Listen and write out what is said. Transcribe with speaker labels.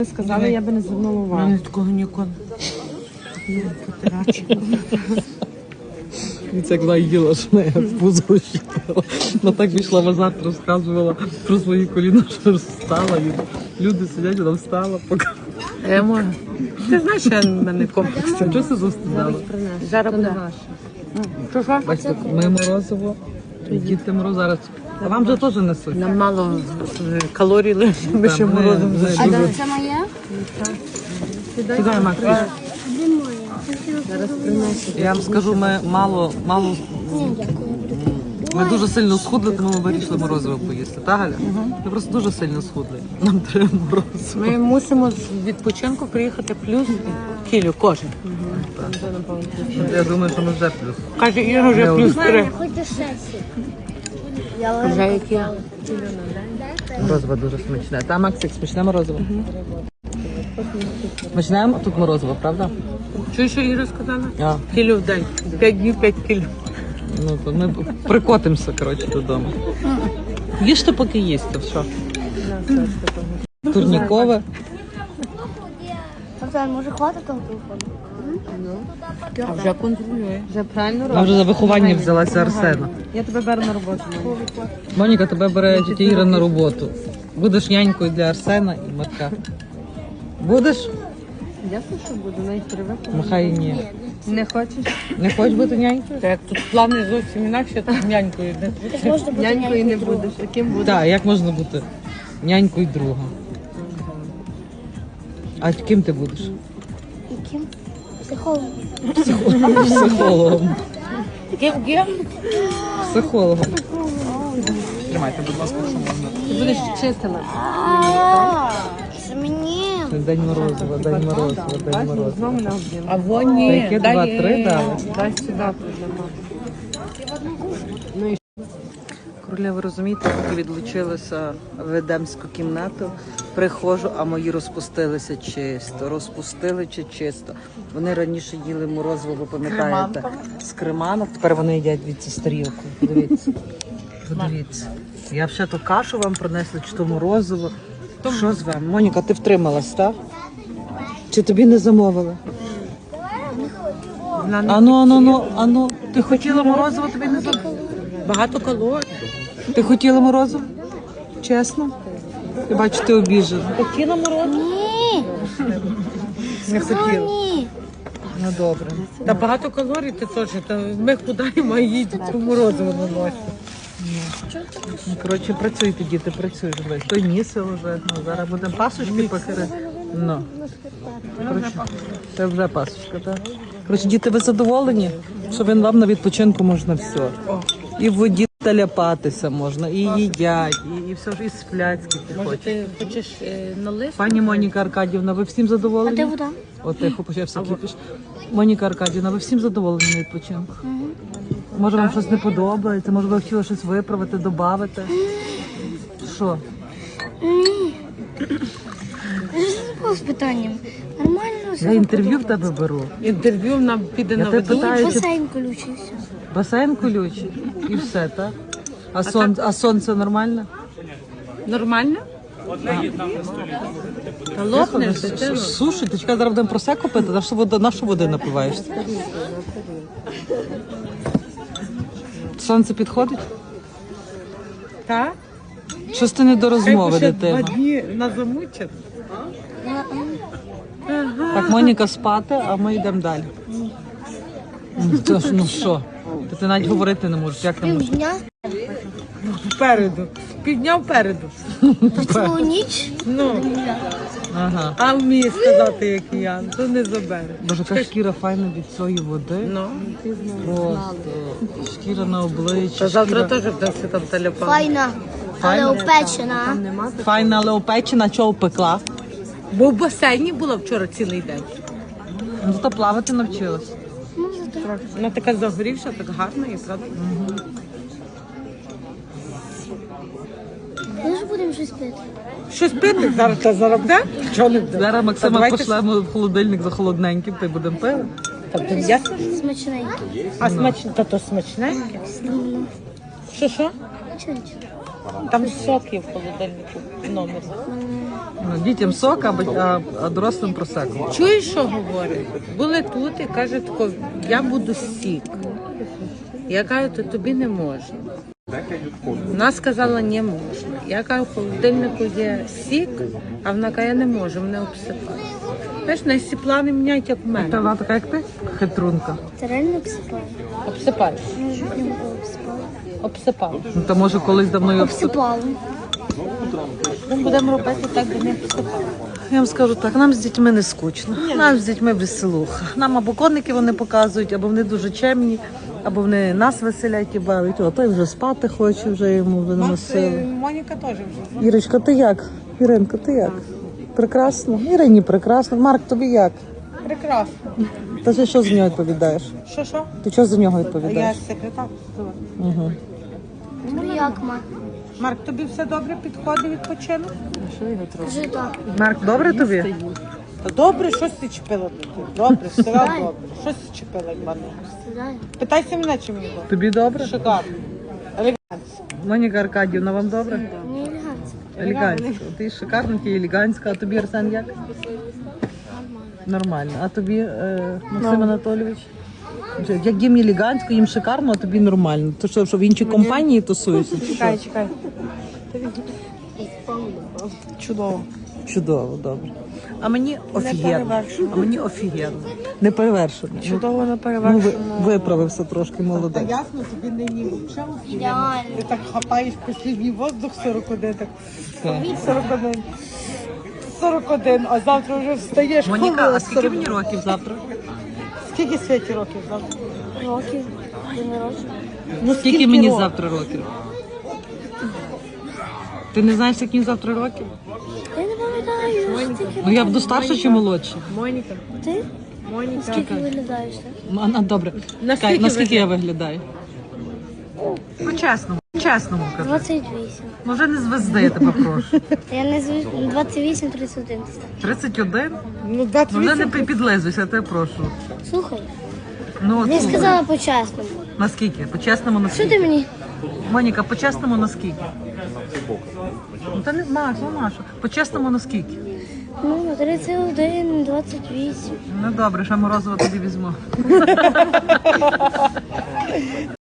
Speaker 1: Сказали, я би не звернула
Speaker 2: У
Speaker 1: увагу.
Speaker 2: мене такого ніколи.
Speaker 3: Це як вона їла, що неї в пузо щитала. Вона так вийшла назад, розказувала про свої коліна, що встала. І люди сидять, вона встала, поки.
Speaker 2: Я можу. Ти знаєш, що в мене комплекс.
Speaker 3: Чого це застидала?
Speaker 2: Зараз буде наше. Що?
Speaker 3: Бачите, ми морозиво, діти мороз зараз. А вам же теж несуть.
Speaker 2: Нам мало калорій лише, ми ще
Speaker 3: Ми-
Speaker 2: морозом
Speaker 3: ми
Speaker 2: зайшли.
Speaker 3: дуже-
Speaker 4: Це моє?
Speaker 3: Сідай, Макс.
Speaker 4: Де моє?
Speaker 1: Зараз принесу.
Speaker 3: Я вам скажу, ми мало,
Speaker 4: Ні, дякую.
Speaker 3: ми дуже сильно схудли, тому ми вирішили морозиво поїсти. Та, Галя? Ми просто дуже сильно схудли. Нам треба морозиво.
Speaker 2: Ми мусимо з відпочинку приїхати плюс кілю кожен.
Speaker 3: Я думаю, що ми вже плюс.
Speaker 2: Каже, Іра вже
Speaker 3: Я
Speaker 2: плюс 3.
Speaker 4: Хоч до 6.
Speaker 2: Вже як я.
Speaker 3: Морозиво дуже смачне. Та, Максик, смачне морозиво? Смачне тут морозиво, правда?
Speaker 2: Чуєш, що Іра сказала?
Speaker 3: А,
Speaker 2: Кілю в день. 5 днів, 5 кілю.
Speaker 3: ну то ми прикотимося, коротше, додому. Їжте, поки їсти, все. Турнікове.
Speaker 4: Оксан, може хватить того телефону?
Speaker 2: А вже контролює.
Speaker 1: Вже правильно
Speaker 3: Вона вже за виховання взялася Арсена.
Speaker 1: Я тебе беру на роботу.
Speaker 3: Моніка, тебе бере тітя Іра на роботу. Будеш нянькою для Арсена і Марка. Будеш?
Speaker 1: Ясно, що буду, навіть привикла.
Speaker 3: Махай і ні.
Speaker 1: Не хочеш?
Speaker 3: Не хочеш бути нянькою?
Speaker 2: Та як тут плани зовсім інакше, то нянькою.
Speaker 4: Так можна бути
Speaker 1: Нянькою не
Speaker 4: друга.
Speaker 1: будеш. Яким будеш?
Speaker 3: Так, як можна бути нянькою друга? А ким ти будеш?
Speaker 4: Яким? Психологом.
Speaker 3: Психологом.
Speaker 2: Ким?
Speaker 3: Психологом. Тримайте, будь ласка, що можна.
Speaker 1: Ти будеш вчителем.
Speaker 4: Це мені.
Speaker 3: День морозива, день морозива, день морозива.
Speaker 1: Знову на об'єм.
Speaker 2: А вон ні.
Speaker 3: Яке 2-3 дали?
Speaker 1: Дай сюди проблема.
Speaker 3: Короля, ви розумієте, поки відлучилася в едемську кімнату, приходжу, а мої розпустилися чисто. Розпустили чи чисто. Вони раніше їли морозиво, ви пам'ятаєте, з креманок. Тепер вони їдять від з тарілку. Подивіться. Подивіться. Я ще ту кашу вам принесла, чи то морозиво. Що з вами? Моніка, ти втрималась, так? Чи тобі не замовили? Ану. Ти хотіла морозиво, тобі не замовили?
Speaker 2: Багато калорій.
Speaker 3: Ти хотіла морозиво? Чесно? Я бачу, ти обіжена.
Speaker 2: Хотіла морозиво?
Speaker 4: Ні.
Speaker 3: Не хотіла.
Speaker 4: Ні.
Speaker 3: Ну добре.
Speaker 2: Та багато калорій ти теж. Та ми худаємо, а їй тут морозиво наносять.
Speaker 3: Ну, коротше, працюйте, діти, працюйте. Той місце вже. Ну, зараз будемо пасочки пекти. Ну. Коротше, це вже пасочка, так? Коротше, діти, ви задоволені? Що вам на відпочинку можна все. І в воді ляпатися можна, і їдять, і все ж і сплять, скільки
Speaker 2: Може,
Speaker 3: хочуть.
Speaker 2: ти хочеш налити?
Speaker 3: Пані Моніка Аркадівна, ви всім
Speaker 4: А
Speaker 3: задоволені?
Speaker 4: де вода?
Speaker 3: От тихо почався кипіш. Моніка Аркадівна, ви всім задоволені на відпочинку? Може вам щось не подобається, може ви хотіли щось виправити, додати? Що?
Speaker 4: З питанням. Нормально все.
Speaker 3: Я інтерв'ю в тебе беру.
Speaker 2: Інтерв'ю нам піде
Speaker 3: Я
Speaker 2: на
Speaker 3: тебе
Speaker 2: воду.
Speaker 3: питаю, чи
Speaker 4: Басейн колючий все.
Speaker 3: басейн колючий і все, так? А сонце нормально?
Speaker 2: Нормально? Та лопнеш, дитину.
Speaker 3: Слушай, ти чекай, зараз будемо просеку пити, на що води напиваєшся? Сонце підходить?
Speaker 2: Так?
Speaker 3: Щось ти не до розмови,
Speaker 2: Хай би ще 2
Speaker 3: дитина.
Speaker 2: дні на замучать.
Speaker 3: Так, Моніка спати, а ми йдемо далі. Ну, ну що? Ти навіть говорити не можеш, як не можеш?
Speaker 4: Півдня.
Speaker 2: Впереду. Півдня впереду.
Speaker 4: Цілу ніч.
Speaker 2: Ну,
Speaker 3: Ага.
Speaker 2: а вміє сказати, як я, то не забере.
Speaker 3: Боже, яка шкіра файна від цієї води.
Speaker 2: Ну.
Speaker 3: Просто шкіра на обличчі.
Speaker 2: Та завтра
Speaker 3: шкіра...
Speaker 2: теж вдасться там телепан.
Speaker 4: Файна. Але опечена.
Speaker 3: Файна, але опечена, чого впекла?
Speaker 2: Бо в басейні була вчора цілий день.
Speaker 3: Ну, то плавати навчилась.
Speaker 2: Вона така загорівша, так гарна і правда.
Speaker 4: Ми ж будемо щось пити.
Speaker 2: Щось пити зараз та заробде? Чого не буде?
Speaker 3: Зараз Максима
Speaker 2: давайте
Speaker 3: пошлемо в холодильник за холодненьким, та й будемо пити.
Speaker 2: Тобто ясно?
Speaker 4: Смачненький.
Speaker 2: А смачне, та то смачненьке. Що?
Speaker 4: Чого нічого?
Speaker 2: Там сок є в холодильнику в номері.
Speaker 3: Ну, дітям сок, а дорослим просеку.
Speaker 2: Чуєш, що говорить? Були тут і каже тако, я буду сік. Я кажу, то тобі не можна. Вона сказала, не можна. Я кажу, в холодильнику є сік, а вона каже, я не можу, мене обсипає. Знаєш, на всі плани міняють, як в
Speaker 3: Та
Speaker 2: мене.
Speaker 3: вона така, як ти? Хитрунка.
Speaker 4: Ти реально обсипала?
Speaker 2: Обсипаєш.
Speaker 4: Може, не було обсипала.
Speaker 2: Обсипав.
Speaker 3: Ну, та може колись давно його
Speaker 4: Обсипала.
Speaker 2: Ми будемо робити так, де не обсипав.
Speaker 3: Я вам скажу так, нам з дітьми не скучно, нам з дітьми веселуха. Нам або коники вони показують, або вони дуже чемні, або вони нас веселять і бавить. О, той вже спати хоче, вже йому вже нема сили.
Speaker 2: Моніка теж вже.
Speaker 3: Ірочка, ти як? Іринка, ти як? Прекрасно? Ірині прекрасно. Марк, тобі як?
Speaker 2: Прекрасно.
Speaker 3: Та ти що з нього відповідаєш?
Speaker 2: Що?
Speaker 3: Ти що за нього
Speaker 2: Я
Speaker 3: відповідаєш?
Speaker 2: секретар.
Speaker 3: Угу.
Speaker 4: Ну як, ма?
Speaker 2: Марк, тобі все добре підходить відпочинок?
Speaker 4: Кажи так.
Speaker 3: Марк, добре тобі?
Speaker 2: Та добре, щось ти чіпила тут. Добре, все добре. Щось ти чіпила, як мене.
Speaker 4: Сідай.
Speaker 2: Питайся мене, чи мені добре.
Speaker 3: Тобі добре?
Speaker 2: Шикарно. Елегантно.
Speaker 3: Моніка Аркадівна, вам добре?
Speaker 4: Не елегантно.
Speaker 3: Елегантська. Ти шикарна, ти елегантська. А тобі, Арсен, як? Нормально. А тобі, Максим Анатолійович? Як їм елегантсько, їм шикарно, а тобі нормально. То що в іншій компанії тусуєшся? чи що?
Speaker 2: Чекай. Чудово.
Speaker 3: Чудово, добре. А мені офігенно.
Speaker 2: Неперевершено.
Speaker 3: А мені офігенно. Не перевершено.
Speaker 2: Чудово не
Speaker 3: Ну,
Speaker 2: перевершено.
Speaker 3: виправився трошки,
Speaker 2: Та
Speaker 3: молодець.
Speaker 2: ясно, тобі нині взагалі.
Speaker 4: Ідеально.
Speaker 2: Ти так хапаєш послідній воздух 41, так.
Speaker 3: Так.
Speaker 2: 41. 41, а завтра вже встаєш.
Speaker 3: Моніка,
Speaker 2: коли
Speaker 3: а скільки
Speaker 2: 40?
Speaker 3: мені років завтра?
Speaker 2: Скільки Світі років завтра?
Speaker 4: Років. День народження.
Speaker 2: Ну,
Speaker 3: Скільки мені
Speaker 2: років?
Speaker 3: завтра років? Ти не знаєш, скільки мені завтра років?
Speaker 4: Я не пам'ятаю. Скільки
Speaker 3: Ну я буду старша чи молодша?
Speaker 2: Моніка.
Speaker 4: ти?
Speaker 2: Моніка.
Speaker 4: Скільки виглядаєш, так?
Speaker 3: Ну, добре.
Speaker 2: Наскільки
Speaker 3: Наскільки я виглядаю? По-чесному. Чесному кажу.
Speaker 4: 28.
Speaker 3: Ну вже не звезди, я тебе прошу.
Speaker 4: Я не звик. 28, 31 ти став.
Speaker 3: 31?
Speaker 2: Ну,
Speaker 3: Ну
Speaker 2: 28.
Speaker 3: вже не підлизуйся, я тебе прошу.
Speaker 4: Слухай,
Speaker 3: Ну, от
Speaker 4: я
Speaker 3: слухай.
Speaker 4: сказала по-чесному.
Speaker 3: Наскільки? По-чесному
Speaker 4: Що
Speaker 3: наскільки?
Speaker 4: ти мені?
Speaker 3: Моніка, по-чесному наскільки? Ну та не Маш, ну Маша. По-чесному наскільки?
Speaker 4: Ну, 31, 28.
Speaker 3: Ну добре, ще морозиво тобі візьму.